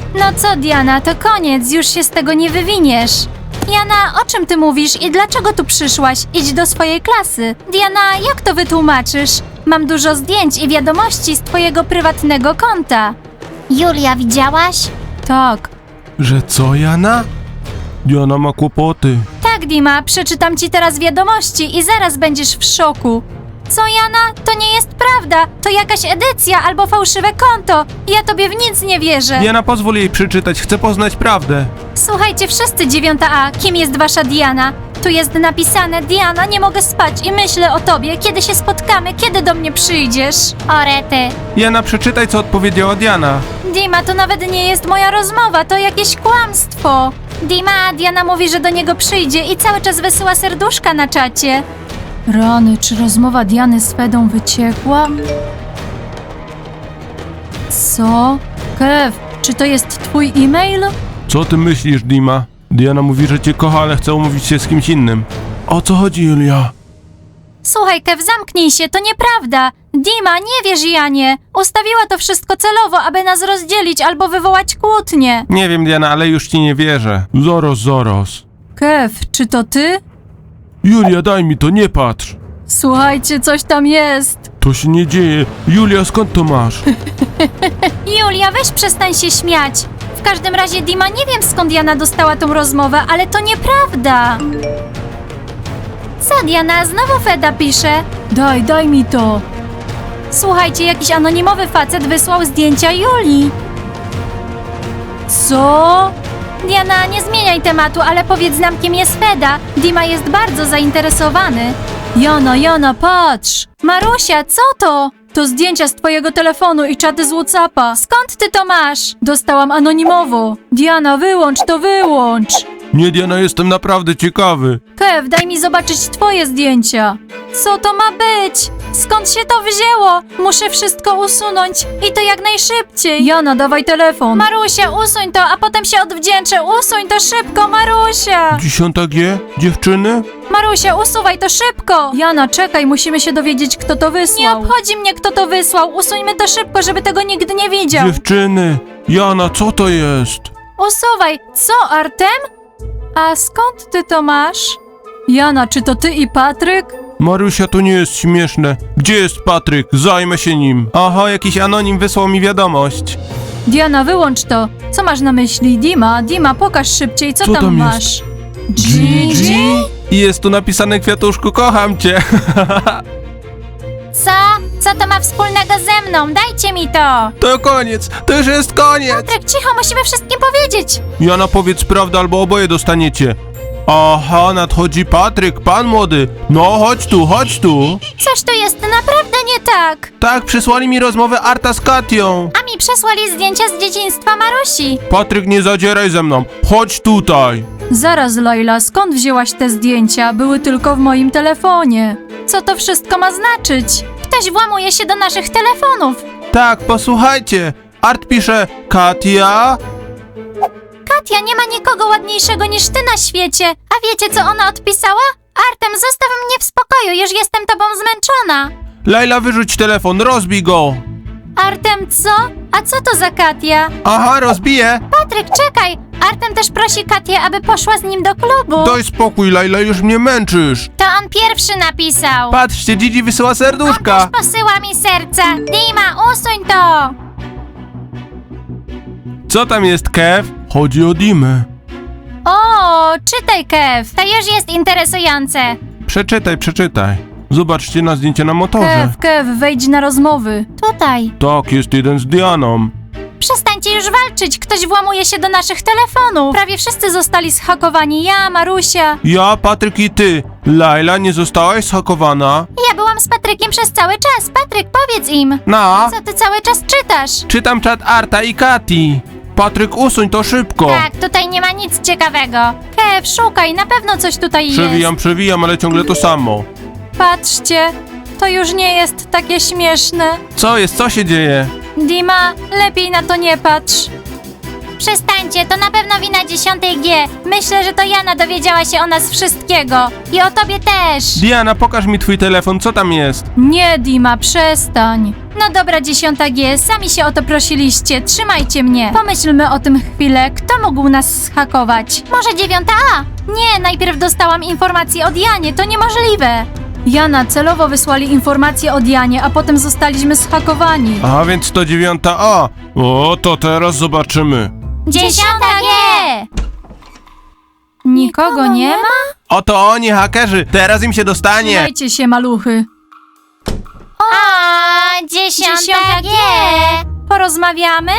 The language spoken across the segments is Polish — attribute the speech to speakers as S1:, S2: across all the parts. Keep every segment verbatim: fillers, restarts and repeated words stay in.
S1: No co, Diana, to koniec, już się z tego nie wywiniesz. Diana, o czym ty mówisz i dlaczego tu przyszłaś? Idź do swojej klasy. Diana, jak to wytłumaczysz? Mam dużo zdjęć i wiadomości z twojego prywatnego konta. Julia, widziałaś? Tak.
S2: Że co, Jana? Diana ma kłopoty.
S1: Tak, Dima, przeczytam ci teraz wiadomości i zaraz będziesz w szoku. Co, Jana? To nie jest prawda. To jakaś edycja albo fałszywe konto. Ja tobie w nic nie wierzę.
S2: Jana, pozwól jej przeczytać, chcę poznać prawdę.
S1: Słuchajcie wszyscy, dziewiąta A, kim jest wasza Diana? Tu jest napisane: Diana, nie mogę spać i myślę o tobie, kiedy się spotkamy, kiedy do mnie przyjdziesz. Orety.
S2: Jana, przeczytaj, co odpowiedziała Diana.
S1: Dima, to nawet nie jest moja rozmowa, to jakieś kłamstwo. Dima, Diana mówi, że do niego przyjdzie i cały czas wysyła serduszka na czacie. Rany, czy rozmowa Diany z Fedą wyciekła? Co? Kev, czy to jest twój e-mail?
S2: Co ty myślisz, Dima? Diana mówi, że cię kocha, ale chce umówić się z kimś innym. O co chodzi, Julia?
S1: Słuchaj, Kev, zamknij się, to nieprawda. Dima, nie wierz Janie. Ustawiła to wszystko celowo, aby nas rozdzielić albo wywołać kłótnię.
S2: Nie wiem, Diana, ale już ci nie wierzę. Zaraz, zaraz.
S1: Kev, czy to ty?
S2: Julia, daj mi to, nie patrz.
S1: Słuchajcie, coś tam jest.
S2: To się nie dzieje. Julia, skąd to masz?
S1: Julia, weź przestań się śmiać. W każdym razie, Dima, nie wiem skąd Jana dostała tą rozmowę, ale to nieprawda. Co, Diana, znowu Feda pisze? Daj, daj mi to. Słuchajcie, jakiś anonimowy facet wysłał zdjęcia Julii. Co? Diana, nie zmieniaj tematu, ale powiedz nam, kim jest Feda. Dima jest bardzo zainteresowany. Jana, Jana, patrz! Marusia, co to? To zdjęcia z twojego telefonu i czaty z Whatsappa. Skąd ty to masz? Dostałam anonimowo. Diana, wyłącz to, wyłącz.
S2: Nie, Diana, jestem naprawdę ciekawy.
S1: Kev, daj mi zobaczyć twoje zdjęcia. Co to ma być? Skąd się to wzięło? Muszę wszystko usunąć i to jak najszybciej. Jana, dawaj telefon. Marusia, usuń to, a potem się odwdzięczę. Usuń to szybko, Marusia.
S2: Dziesiąta G? Dziewczyny?
S1: Marusia, usuwaj to szybko. Jana, czekaj, musimy się dowiedzieć, kto to wysłał. Nie obchodzi mnie, kto to wysłał. Usuńmy to szybko, żeby tego nikt nie widział.
S2: Dziewczyny! Jana, co to jest?
S1: Usuwaj. Co, Artem? A skąd ty to masz? Jana, czy to ty i Patryk?
S2: Marusia, to nie jest śmieszne. Gdzie jest Patryk? Zajmę się nim. Aha, jakiś anonim wysłał mi wiadomość.
S1: Diana, wyłącz to. Co masz na myśli? Dima, Dima, pokaż szybciej, co,
S2: Co
S1: tam,
S2: tam jest?
S1: masz? Gigi?
S2: I jest tu napisane, kwiatuszku, kocham cię.
S1: Co? Co to ma wspólnego ze mną? Dajcie mi to!
S2: To koniec, to już jest koniec.
S1: Patryk, cicho, musimy wszystkim powiedzieć!
S2: Jana, powiedz prawdę, albo oboje dostaniecie. Aha, nadchodzi Patryk, pan młody. No, chodź tu, chodź tu.
S1: Coś tu jest naprawdę nie tak!
S2: Tak, przysłali mi rozmowę Arta z Katią.
S1: A mi przesłali zdjęcia z dzieciństwa Marusi.
S2: Patryk, nie zadzieraj ze mną. Chodź tutaj.
S1: Zaraz, Laila, skąd wzięłaś te zdjęcia? Były tylko w moim telefonie. Co to wszystko ma znaczyć? Ktoś włamuje się do naszych telefonów.
S2: Tak, posłuchajcie. Art pisze, Katia?
S1: Katia, nie ma nikogo ładniejszego niż ty na świecie. A wiecie, co ona odpisała? Artem, zostaw mnie w spokoju, już jestem tobą zmęczona.
S2: Laila, wyrzuć telefon, rozbij go.
S1: Artem, co? A co to za Katia?
S2: Aha, rozbiję.
S1: Patryk, czekaj! Artem też prosi Katię, aby poszła z nim do klubu.
S2: Daj spokój, Laila, już mnie męczysz.
S1: To on pierwszy napisał.
S2: Patrzcie, Gigi wysyła serduszka.
S1: Posyła mi serce. Dima, usuń to!
S2: Co tam jest, Kev? Chodzi o Dimę.
S1: O, czytaj, Kev. To już jest interesujące.
S2: Przeczytaj, przeczytaj. Zobaczcie na zdjęcie na motorze.
S1: Kev, wejdź na rozmowy. Tutaj.
S2: Tak, jest jeden z Dianą.
S1: Przestańcie już walczyć, ktoś włamuje się do naszych telefonów. Prawie wszyscy zostali zhakowani, ja, Marusia.
S2: Ja, Patryk i ty. Laila, nie zostałaś zhakowana?
S1: Ja byłam z Patrykiem przez cały czas. Patryk, powiedz im.
S2: No.
S1: Co ty cały czas czytasz?
S2: Czytam czat Arta i Kati. Patryk, usuń to szybko.
S1: Tak, tutaj nie ma nic ciekawego. Kev, szukaj, na pewno coś tutaj jest.
S2: Przewijam, przewijam, ale ciągle to samo.
S1: Patrzcie, to już nie jest takie śmieszne.
S2: Co jest, co się dzieje?
S1: Dima, lepiej na to nie patrz. przestańcie, to na pewno wina dziesiątej G. Myślę, że to Jana dowiedziała się o nas wszystkiego. I o tobie też.
S2: Diana, pokaż mi twój telefon, co tam jest?
S1: Nie, Dima, przestań. No dobra, dziesiąta G, sami się o to prosiliście, trzymajcie mnie. Pomyślmy o tym chwilę, kto mógł nas zhakować? Może dziewiąta A? Nie, najpierw dostałam informację od Janie, to niemożliwe. Jana, celowo wysłali informację od Janie, a potem zostaliśmy zhakowani.
S2: A więc to dziewiąta A. O, to teraz zobaczymy.
S1: Dziesiąta G! Nikogo nie ma?
S2: Oto oni, hakerzy, teraz im się dostanie.
S1: Trzymajcie się, maluchy. O, dziesiąta G! Porozmawiamy?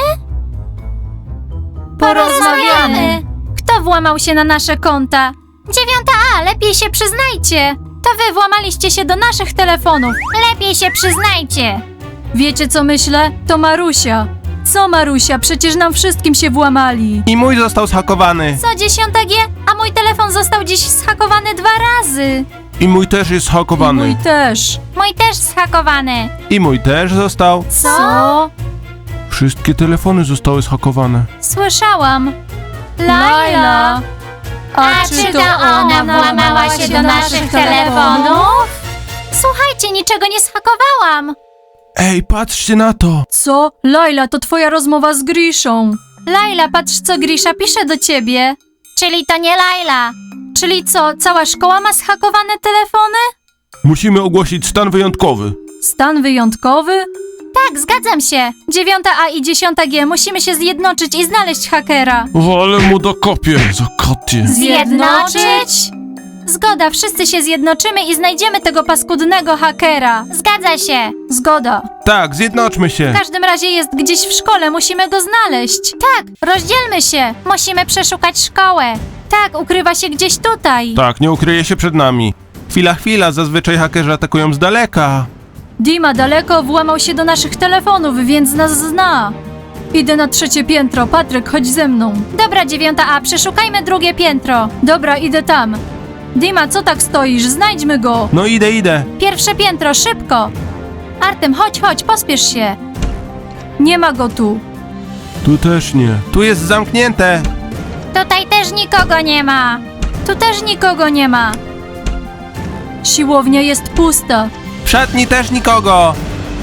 S1: Porozmawiamy. Kto włamał się na nasze konta? Dziewiąta A, lepiej się przyznajcie. To wy włamaliście się do naszych telefonów. Lepiej się przyznajcie. Wiecie co myślę? To Marusia. Co Marusia? Przecież nam wszystkim się włamali.
S2: I mój został zhakowany.
S1: Co dziesiąta G? A mój telefon został dziś zhakowany dwa razy.
S2: I mój też jest
S1: I
S2: zhakowany.
S1: mój też. Mój też zhakowany.
S2: I mój też został.
S1: Co?
S2: Wszystkie telefony zostały zhakowane.
S1: Słyszałam. Laila. A, czy to ona włamała się do naszych telefonów? Słuchajcie, niczego nie zhakowałam.
S2: Ej, patrzcie na to.
S1: Co? Laila, to twoja rozmowa z Griszą. Laila, patrz co Grisza pisze do ciebie. Czyli to nie Laila. Czyli co, cała szkoła ma zhakowane telefony?
S2: Musimy ogłosić stan wyjątkowy.
S1: Stan wyjątkowy? Tak, zgadzam się. Dziewiąta A i dziesiąta G musimy się zjednoczyć i znaleźć hakera.
S2: Ale mu dokopię, za kotie.
S1: Zjednoczyć? Zgoda, wszyscy się zjednoczymy i znajdziemy tego paskudnego hakera. Zgadza się. Zgoda.
S2: Tak, zjednoczmy się.
S1: W każdym razie jest gdzieś w szkole, musimy go znaleźć. Tak, rozdzielmy się. Musimy przeszukać szkołę. Tak, ukrywa się gdzieś tutaj.
S2: Tak, nie ukryje się przed nami. Chwila, chwila, zazwyczaj hakerzy atakują z daleka.
S1: Dima daleko włamał się do naszych telefonów, więc nas zna. Idę na trzecie piętro. Patryk, chodź ze mną. Dobra, dziewiąta A, przeszukajmy drugie piętro. Dobra, idę tam. Dima, co tak stoisz? Znajdźmy go.
S2: No idę, idę.
S1: Pierwsze piętro, szybko. Artem, chodź, chodź, pospiesz się. Nie ma go tu.
S2: Tu też nie. Tu jest zamknięte.
S1: Tutaj też nikogo nie ma. Tu też nikogo nie ma. Siłownia jest pusta.
S2: W szatni też nikogo.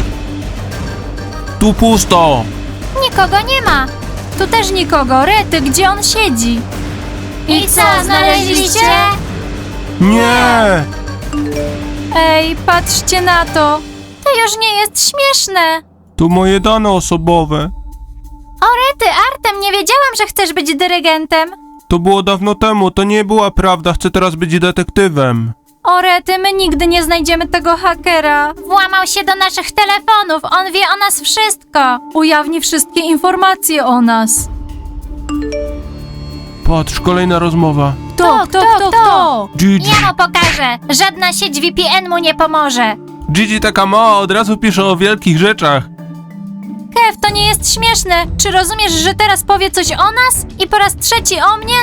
S2: Tu pusto.
S1: Nikogo nie ma. Tu też nikogo. Rety, gdzie on siedzi? I co, znaleźliście?
S2: Nie.
S1: Ej, patrzcie na to. To już nie jest śmieszne.
S2: Tu moje dane osobowe.
S1: O Rety, Artem, nie wiedziałam, że chcesz być dyrygentem.
S2: To było dawno temu, to nie była prawda, chcę teraz być detektywem.
S1: O Rety, my nigdy nie znajdziemy tego hakera. Włamał się do naszych telefonów, on wie o nas wszystko. Ujawni wszystkie informacje o nas.
S2: Patrz, kolejna rozmowa.
S1: Kto, kto, kto, kto?
S2: Gigi.
S1: Ja mu pokażę. Żadna sieć V P N mu nie pomoże.
S2: Gigi taka mała, od razu pisze o wielkich rzeczach.
S1: Kev, to nie jest śmieszne. Czy rozumiesz, że teraz powie coś o nas? I po raz trzeci o mnie?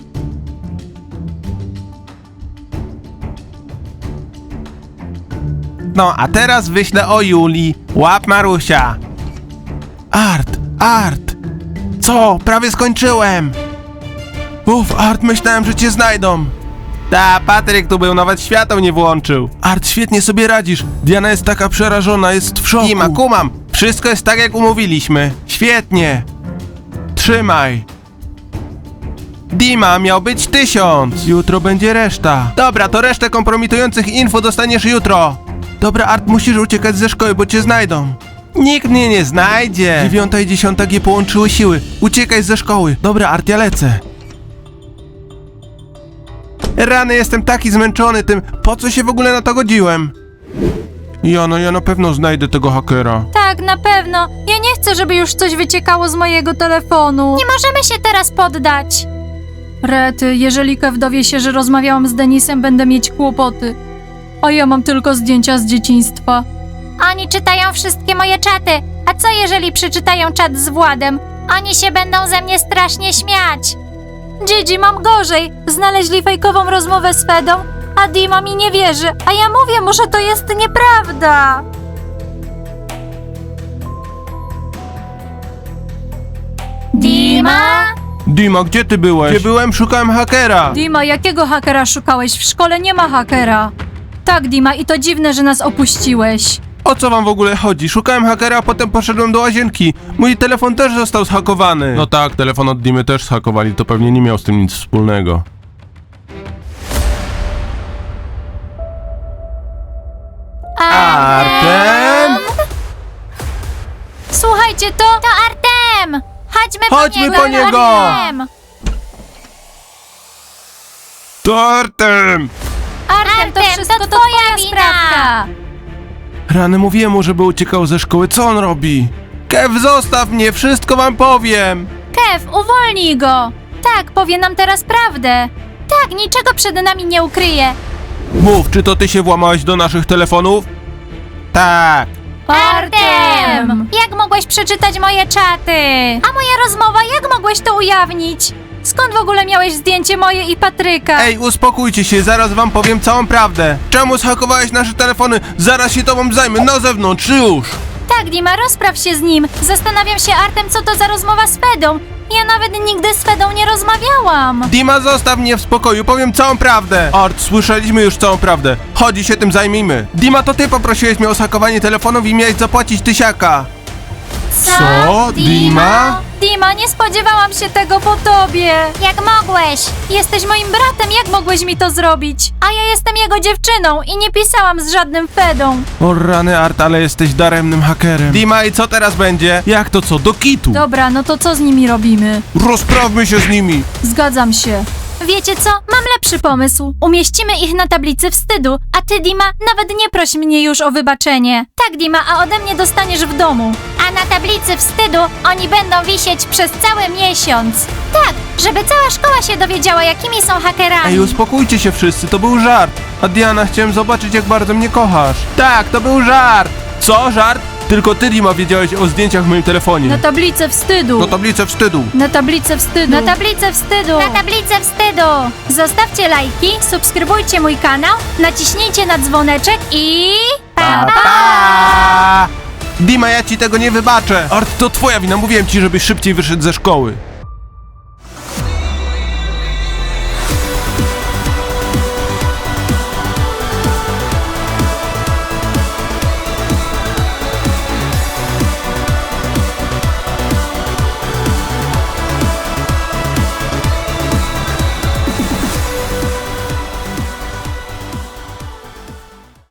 S2: No, a teraz wyślę o Julii. Łap Marusia. Art, Art. Co? Prawie skończyłem. Uf, Art, myślałem, że cię znajdą. Ta, Patryk tu był, nawet światło nie włączył. Art, świetnie sobie radzisz. Diana jest taka przerażona, jest w szoku. Dima, kumam. Wszystko jest tak, jak umówiliśmy. Świetnie. Trzymaj. Dima, miał być tysiąc. Jutro będzie reszta. Dobra, to resztę kompromitujących info dostaniesz jutro. Dobra, Art, musisz uciekać ze szkoły, bo cię znajdą. Nikt mnie nie znajdzie. Dziewiąta i dziesiąta G połączyły siły. Uciekaj ze szkoły. Dobra, Art, ja lecę. Rany, jestem taki zmęczony tym. Po co się w ogóle na to godziłem? Jano, ja na pewno znajdę tego hakera.
S1: Tak, na pewno. Ja nie chcę, żeby już coś wyciekało z mojego telefonu. Nie możemy się teraz poddać. Rety, jeżeli Kev dowie się, że rozmawiałam z Denisem, będę mieć kłopoty. A ja mam tylko zdjęcia z dzieciństwa. Oni czytają wszystkie moje czaty. A co jeżeli przeczytają czat z Władem? Oni się będą ze mnie strasznie śmiać. Gigi, mam gorzej. Znaleźli fejkową rozmowę z Fedą, a Dima mi nie wierzy. A ja mówię mu, że to jest nieprawda. Dima?
S2: Dima, gdzie ty byłeś? Gdzie byłem? Szukałem hakera.
S1: Dima, jakiego hakera szukałeś? W szkole nie ma hakera. Tak, Dima, i to dziwne, że nas opuściłeś.
S2: O co wam w ogóle chodzi? Szukałem hakera, a potem poszedłem do łazienki. Mój telefon też został zhakowany. No tak, telefon od Dimy też zhakowali, to pewnie nie miał z tym nic wspólnego. Artem?
S1: Słuchajcie, to... To Artem! Chodźmy,
S2: Chodźmy po niego!
S1: Artem!
S2: To Artem!
S1: Artem, to wszystko to twoja sprawka!
S2: Rany, mówiłem mu, żeby uciekał ze szkoły. Co on robi? Kev, zostaw mnie, wszystko wam powiem.
S1: Kev, uwolnij go! Tak, powie nam teraz prawdę. Tak, niczego przed nami nie ukryje.
S2: Mów, czy to ty się włamałeś do naszych telefonów? Tak.
S1: Artem! Jak mogłeś przeczytać moje czaty? A moja rozmowa, jak mogłeś to ujawnić? Skąd w ogóle miałeś zdjęcie moje i Patryka?
S2: Ej, uspokójcie się, zaraz wam powiem całą prawdę. Czemu zhakowałeś nasze telefony? Zaraz się tobą zajmę, na zewnątrz, już!
S1: Tak, Dima, rozpraw się z nim. Zastanawiam się, Artem, co to za rozmowa z Fedą. Ja nawet nigdy z Fedą nie rozmawiałam.
S2: Dima, zostaw mnie w spokoju, powiem całą prawdę. Art, słyszeliśmy już całą prawdę. Chodź i się tym zajmijmy. Dima, to ty poprosiłeś mnie o zhakowanie telefonów i miałeś zapłacić tysiaka. Co? Dima?
S1: Dima, nie spodziewałam się tego po tobie. Jak mogłeś? Jesteś moim bratem, jak mogłeś mi to zrobić? A ja jestem jego dziewczyną i nie pisałam z żadnym Fedą.
S2: O rany, Art, ale jesteś daremnym hakerem. Dima, i co teraz będzie? Jak to co? Do kitu?
S1: Dobra, no to co z nimi robimy?
S2: Rozprawmy się z nimi.
S1: Zgadzam się. Wiecie co? Mam lepszy pomysł. Umieścimy ich na tablicy wstydu, a ty, Dima, nawet nie proś mnie już o wybaczenie. Tak, Dima, a ode mnie dostaniesz w domu. A na tablicy wstydu oni będą wisieć przez cały miesiąc. Tak, żeby cała szkoła się dowiedziała, jakimi są hakerami.
S2: Ej, uspokójcie się wszyscy, to był żart. A Diana, chciałem zobaczyć, jak bardzo mnie kochasz. Tak, to był żart. Co, żart? Tylko ty, Dima, wiedziałeś o zdjęciach w moim telefonie.
S1: Na tablicę wstydu.
S2: No tablicę wstydu.
S1: Na tablicę wstydu. Na tablicę wstydu. Na tablicę wstydu. Zostawcie lajki, subskrybujcie mój kanał, naciśnijcie na dzwoneczek i... Pa, pa!
S2: Pa! Dima, ja ci tego nie wybaczę. Art, to twoja wina, mówiłem ci, żebyś szybciej wyszedł ze szkoły.